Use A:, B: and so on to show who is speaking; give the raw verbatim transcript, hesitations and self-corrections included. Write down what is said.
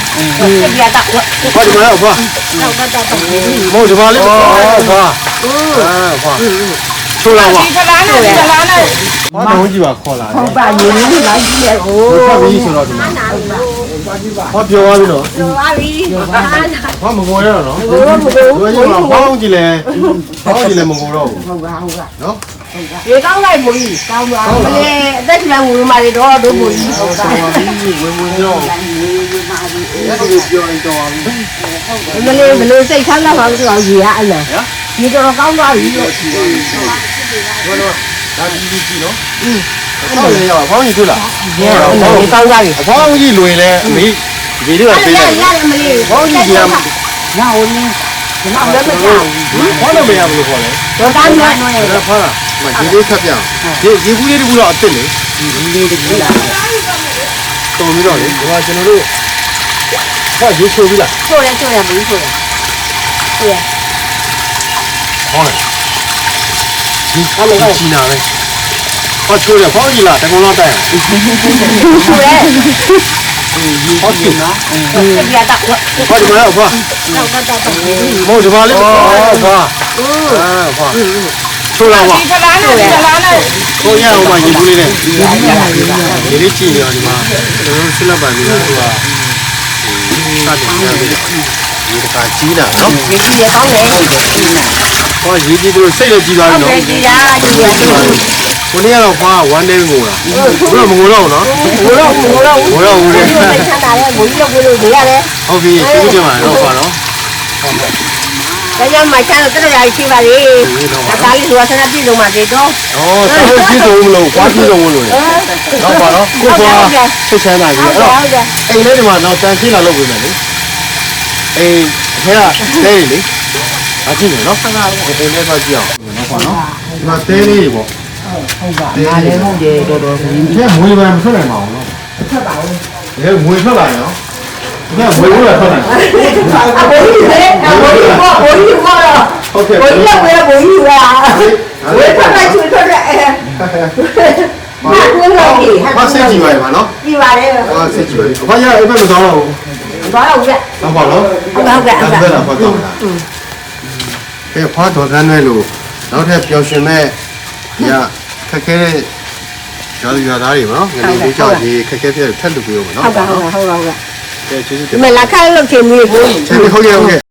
A: ပြတာဘာဒီမှာတော့ဘာတော့တော့တော့မို့ဒီမှာလေးဘာဘာအာဘာချိုးလာပါဒီကလာနဲ့ဒီကလာနဲ့ဘာတော့ကြည့်ပါခေါ်လာတယ်ဟုတ်ပါယူနေလိုက်ကြည့်ရဟိုဘာပြီးဆိုတော့ဒီမှာဘာပြောသွားပြီနော်ပြောသွားပြီဘာမငိုရတော့နော်ဘယ်လိုလဲဘောင်းကြည့်လဲဘောင်းကြည့်လဲမငိုတော့ဘူးဟုတ်ပါဟုတ်ပါနော်ရေကောင်းလိုက်မကြီးကောင်းပါလေအသက်ကြီးငိုမှတွေတော့တို့မကြီးဟုတ်တာဝင်ဝင်တော့အဲ့ဒီပြောရင်တော့မလေးဘလို့စိတ်ချမ်းသာပါလို့ဆိုတော့ရေရအဲ့လားဒီတော့ကောင်းသွားပြီလို့ဘောလို့ဒါကြီးကြီးနော်อืมဟုတ်တယ်ရောဘောင်းကြီးတွေ့လားရေကောင်းသွားပြီဘောင်းကြီးလွင်လဲအမေဒီတွေကပေးတယ်ရတယ်မလေးဘောင်းကြီးကညောင်းနေကျွန်တော်လည်းမကြောက်ဘူးဘောလို့မရဘူးလို့ခေါ်တယ်တော့တန်းနဲ့ဒါဖားမဒီလေးထပ်ပြအောင်ဒီရေဘူးလေးတကူတော့အစ်စ်လေဒီဘူးလေးတကူလားတော်ပြီးတော့လေဒီမှာကျွန်တော်တို့ဟောရေချိုးပြီလားချိုးတယ်ချိုးတယ်ဘူးချိုးတယ်ချိုးရဟောလေဒီအမေကချီနာပဲဟောချိုးတယ်ဘောင်းကြီးလားတကုံလောက်တိုက်ချိုးတယ်ဟုတ်ပြီနော်ပြတာဘာဒီမှာတော့ဘာမို့ဒီမှာလေးဘာဘာအာဘာချိုးလာပါဒီကလာနဲ့ဒီကလာနဲ့ကိုရအောင်ပါရေဘူးလေးနဲ့ဒီလေးကြည့်ရအောင်ဒီမှာကျွန်တော်ဆက်လက်ပါနေတာသူကစတယ်ရတယ်ဒီတခါကြီးတာနော်ရေကြီးရကောင်းတယ်ဟုတ်တယ်ကြီးနာဟောရေကြီးသူစိတ်လည်းကြီးသွားပြီနော်ဟုတ်တယ်ကြီးတာကြီးရကိုနေ့ကတော့ဖွားone day ငိုတာဘယ်တော့မငိုတော့ဘူးနော်ငိုတော့ငိုတော့ငိုတော့ဦးတယ်စိတ်ချမ်းသာတယ်ငိုကြီးလို့ကိုလို့နေရတယ်ဟုတ်ပြီကျေးဇူးတင်ပါတယ်တော့ဖွားနော်ဟုတ်ကဲ့ဒါကြောင့်မချမ်းတော့တော်ရရှိပါလေဒါကလေးဆိုဆန္ဒပြည့်စုံပါသေးတော့ဩဆန္ဒပြည့်စုံမလို့ဖွားပြည့်စုံမလို့တော့ပါတော့ကိုဖွားစိတ်ချမ်းသာပြီအဲ့တော့အိမ်လေးဒီမှာတော့တန်ရှင်းလာလုပ်ပေးမယ်လေအိမ်အထဲကတဲလေအကြည့်မယ်နော်ဆန္ဒအိမ်လေးဆောက်ကြည့်အောင်နော်ဖွားနော်ဒီမှာတဲလေးပေါ့ဟုတ်ပါငါလည်းဟုတ်တယ်တော်တော်ဒီထဲမွေးပန်းမထွက်နိုင်ပါဘူးနော်ထွက်ပါဘူးဒီမွေးထွက်လာရင်နော်ဒီကမွေးလို့ထွက်နိုင်တယ်ဘိုးကြီးလေဘိုးကြီးဘောဘိုးကြီးဘောတော့ဟုတ်ကဲ့ဘိုးကြီးကဘိုးကြီးကဝေးထွက်လိုက်ချွေထွက်တဲ့အဲဘာကိုလို့ကြီးဟာဆက်ကြည့်ပါရမနော်ကြည့်ပါလေဟာဆက်ကြည့်ပါလေဘာရအဲ့ဘက်မသွားတော့ဘူးသွားတော့ဦးကတော့ပါတော့ဟုတ်ကဲ့ဟုတ်ကဲ့ဟုတ်ကဲ့ဟုတ်ကဲ့ကဲဖားတော်ကန်းနဲ့လို့နောက်ထပ်ပျော်ရွှင်မဲ့ညခက်ခဲတဲ့ရွာသူရွာသားတွေပေါ့နော်ငနေလေးကြောက်ဒီခက်ခဲပြည့်ထက်လူပြရောပေါ့နော်ဟုတ်ကဲ့ဟုတ်ကဲ့ဟုတ်ကဲ့ကဲကျေးဇူးတင်မလားခါလို့ခင်မီးကိုကျေးဇူးဟုတ်ကဲ့ဟုတ်ကဲ့